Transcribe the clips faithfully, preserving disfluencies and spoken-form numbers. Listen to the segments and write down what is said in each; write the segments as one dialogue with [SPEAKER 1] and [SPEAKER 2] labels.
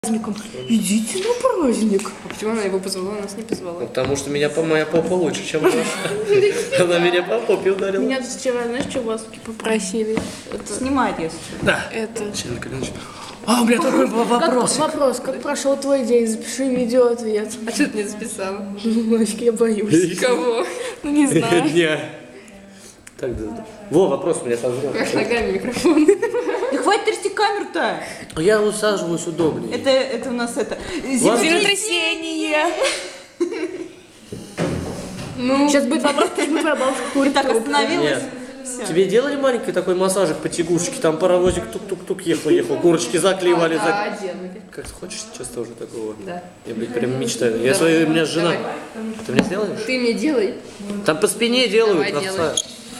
[SPEAKER 1] праздником. Идите на праздник.
[SPEAKER 2] А почему она его позвала, нас не позвала?
[SPEAKER 3] Потому что меня по моя попа лучше, чем ваша. Она меня по попе ударила.
[SPEAKER 2] Меня вчера, знаешь, что вас попросили?
[SPEAKER 1] Снимать, если.
[SPEAKER 3] Да.
[SPEAKER 2] Это...
[SPEAKER 3] А, у меня такой был вопрос.
[SPEAKER 2] Как, вопрос, как прошел твой день? Запиши видеоответ. А что ты не записала? Мальчик, я боюсь. Кого? Ну не знаю.
[SPEAKER 3] Не. Так, да. Во, вопрос у меня созрел.
[SPEAKER 2] Как ногами микрофон.
[SPEAKER 1] Да хватит трясти камеру-то.
[SPEAKER 3] Я усаживаюсь удобнее.
[SPEAKER 1] Это, это у нас это...
[SPEAKER 2] Землетрясение. Ну, сейчас будет вопрос, почему твоя бабушка курит
[SPEAKER 1] Так,
[SPEAKER 2] трубку.
[SPEAKER 1] остановилась.
[SPEAKER 3] Нет.
[SPEAKER 1] Всё.
[SPEAKER 3] Тебе делали маленький такой массажик по тягушечке? Там паровозик тук-тук-тук ехал-ехал, курочки заклеивали.
[SPEAKER 2] Да,
[SPEAKER 3] зак-
[SPEAKER 2] делали.
[SPEAKER 3] Как хочешь сейчас тоже такого?
[SPEAKER 2] Да.
[SPEAKER 3] Я, блядь, прям мечтаю. Я своя, у меня жена.
[SPEAKER 2] Давай.
[SPEAKER 3] Ты мне сделаешь?
[SPEAKER 2] Ты мне делай.
[SPEAKER 3] Там по спине делают,
[SPEAKER 2] Давай,
[SPEAKER 3] овца.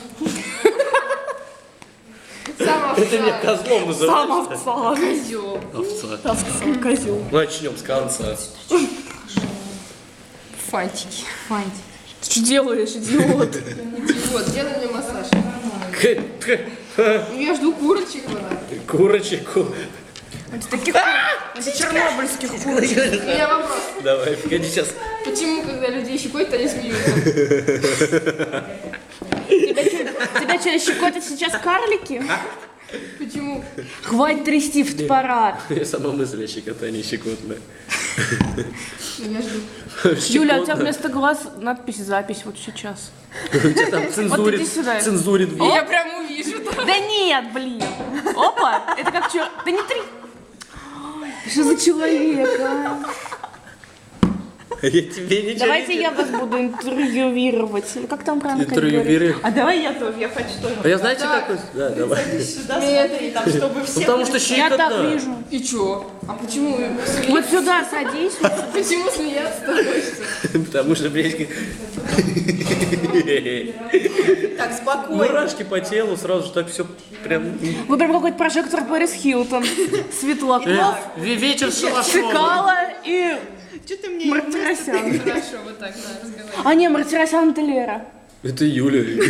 [SPEAKER 2] Сам
[SPEAKER 3] Это меня
[SPEAKER 2] овца.
[SPEAKER 3] козлом
[SPEAKER 1] Сам
[SPEAKER 3] называют.
[SPEAKER 1] овца.
[SPEAKER 2] Козёл.
[SPEAKER 3] Овца.
[SPEAKER 1] Овца, козел.
[SPEAKER 3] Начнем с конца.
[SPEAKER 2] Фантики.
[SPEAKER 1] Фантик. Ты что делаешь, идиот?
[SPEAKER 2] Вот, делай мне массаж.
[SPEAKER 3] К- к-
[SPEAKER 2] Я жду курочек. она.
[SPEAKER 3] Курочку.
[SPEAKER 1] Таких чернобыльских кур.
[SPEAKER 2] У меня вопрос.
[SPEAKER 3] Давай, погоди сейчас.
[SPEAKER 2] Почему, когда людей щекотят, они смеются?
[SPEAKER 1] Тебя что, тебя что, щекотят сейчас карлики?
[SPEAKER 2] Почему?
[SPEAKER 1] Хватит трясти фотоаппарат.
[SPEAKER 3] Я сама мысль о щекотании щекотная.
[SPEAKER 2] Я жду.
[SPEAKER 1] Юля, у тебя вместо глаз надпись «Запись» вот сейчас.
[SPEAKER 3] У тебя там
[SPEAKER 1] Вот
[SPEAKER 3] цензурит,
[SPEAKER 1] иди сюда.
[SPEAKER 3] цензурит.
[SPEAKER 2] Я прям увижу.
[SPEAKER 1] Да нет, блин. Опа, это как чё? Да не три. Что за человек, а?
[SPEAKER 3] Я тебе ничего
[SPEAKER 1] Давайте
[SPEAKER 3] не
[SPEAKER 1] я вас буду интервьюировать. Или как там правильно
[SPEAKER 3] Интервьюируй.
[SPEAKER 1] говорить? А давай я тоже, я хочу тоже.
[SPEAKER 3] А я знаете
[SPEAKER 2] Так.
[SPEAKER 3] какой? Да, давай.
[SPEAKER 1] Сюда смотри, там, чтобы
[SPEAKER 3] Ну,
[SPEAKER 1] все...
[SPEAKER 3] потому что
[SPEAKER 1] Я
[SPEAKER 3] щекотно.
[SPEAKER 1] так вижу.
[SPEAKER 2] И чё? А почему смеяться?
[SPEAKER 1] Вот сюда садись.
[SPEAKER 2] Почему смеяться-то хочется?
[SPEAKER 3] Потому что, блядь,
[SPEAKER 1] Так, спокойно.
[SPEAKER 3] мурашки по телу, сразу же так все прям...
[SPEAKER 1] Вы прям какой-то прожектор Пэрис Хилтон. Светлаков,
[SPEAKER 3] Э, ве- Вечер с шалашом.
[SPEAKER 1] Цикало и
[SPEAKER 4] Что ты мне
[SPEAKER 1] Мартиросян.
[SPEAKER 2] Хорошо, вот так надо разговаривать.
[SPEAKER 1] А не, Мартиросян это Лера.
[SPEAKER 3] Это Юля.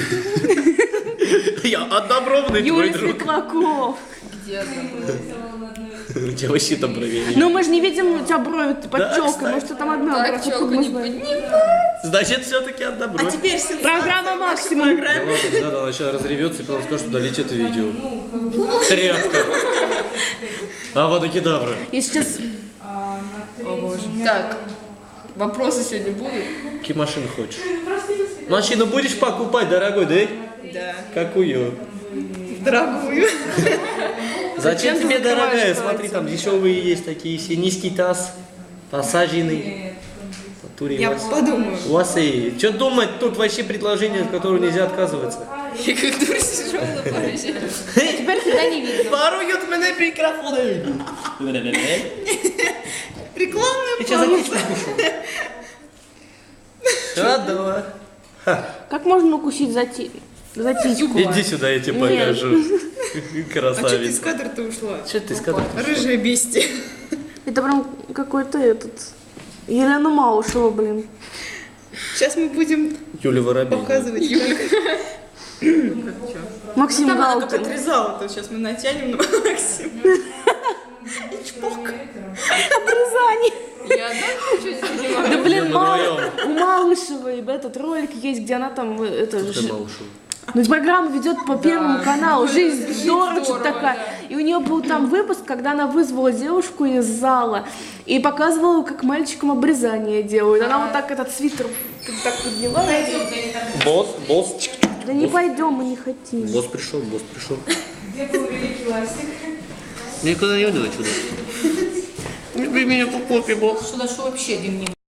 [SPEAKER 3] Я однобровный твой
[SPEAKER 1] Юля
[SPEAKER 3] друг.
[SPEAKER 1] Светлаков.
[SPEAKER 2] Где она?
[SPEAKER 3] У тебя вообще там проверили.
[SPEAKER 1] Ну мы же не видим у тебя брови под
[SPEAKER 3] Да,
[SPEAKER 1] челкой,
[SPEAKER 3] кстати.
[SPEAKER 1] может, там одна бровь,
[SPEAKER 2] Так,
[SPEAKER 1] откуда
[SPEAKER 2] челку
[SPEAKER 1] мы
[SPEAKER 2] не
[SPEAKER 1] знаем?
[SPEAKER 2] поднимай.
[SPEAKER 3] Значит, все-таки однобровый.
[SPEAKER 4] Теперь все
[SPEAKER 1] Программа «Максимум».
[SPEAKER 3] Да ладно, да, да, она сейчас разревется и потом скажет, что удалить это видео. Тряпка. Авада-кедавра.
[SPEAKER 1] Я сейчас...
[SPEAKER 2] Так, вопросы сегодня будут?
[SPEAKER 3] Какие машины хочешь? Машину будешь покупать, дорогой, да?
[SPEAKER 4] Да.
[SPEAKER 3] Какую?
[SPEAKER 4] Дорогую.
[SPEAKER 3] Зачем
[SPEAKER 2] ты
[SPEAKER 3] тебе,
[SPEAKER 2] закрываешь
[SPEAKER 3] дорогая?
[SPEAKER 2] кровать?
[SPEAKER 3] Смотри, там дешевые есть такие все. Низкий таз, посаженный. В натуре
[SPEAKER 4] Я
[SPEAKER 3] у вас-
[SPEAKER 4] подумаю.
[SPEAKER 3] У вас и... Что думать, тут вообще предложение, от которого нельзя отказываться.
[SPEAKER 2] Я как дура сижу на плащи.
[SPEAKER 1] Теперь тебя не видно.
[SPEAKER 3] Воруют меня микрофоны.
[SPEAKER 4] Рекламную
[SPEAKER 3] Ты что за птичку кушал? Радова.
[SPEAKER 1] Как можно укусить за, ти... за титьку?
[SPEAKER 3] Иди сюда, я тебе
[SPEAKER 1] Нет.
[SPEAKER 3] покажу.
[SPEAKER 4] А что ты из
[SPEAKER 3] Красавица.
[SPEAKER 4] кадра-то ушла?
[SPEAKER 3] Что ты сказал?
[SPEAKER 4] Рыжая бестия.
[SPEAKER 1] Это прям какой-то этот... Елена Малышева, блин.
[SPEAKER 4] Сейчас мы будем
[SPEAKER 3] Юля Воробей.
[SPEAKER 4] показывать Юлю.
[SPEAKER 1] Максим
[SPEAKER 4] Там она как
[SPEAKER 1] Галкин.
[SPEAKER 4] отрезала, то сейчас мы натянем на Максима. И чпок.
[SPEAKER 1] Обрезание.
[SPEAKER 2] Я одна ничего не понимаю.
[SPEAKER 1] Да блин,
[SPEAKER 3] мы
[SPEAKER 1] Мал...
[SPEAKER 3] вдвоем.
[SPEAKER 1] у Малышевой этот ролик есть, где она там... э, Это,
[SPEAKER 3] Ты
[SPEAKER 1] ж-
[SPEAKER 3] Малышева.
[SPEAKER 1] Ну, программа ведет по Первому каналу. Жизнь
[SPEAKER 2] Жизнь
[SPEAKER 1] здорово, что
[SPEAKER 2] здорово,
[SPEAKER 1] такая.
[SPEAKER 2] да.
[SPEAKER 1] И у нее был там выпуск, когда она вызвала девушку из зала и показывала, как мальчикам обрезание делают. Она вот так этот свитер так подняла.
[SPEAKER 3] Босс, босс. чик, чик.
[SPEAKER 1] Да не пойдем, мы не хотим.
[SPEAKER 3] Босс пришел, босс пришел. Где был великий ластик? Никуда не уйду отсюда. Люби меня по попе, босс.
[SPEAKER 2] Что вообще дневник?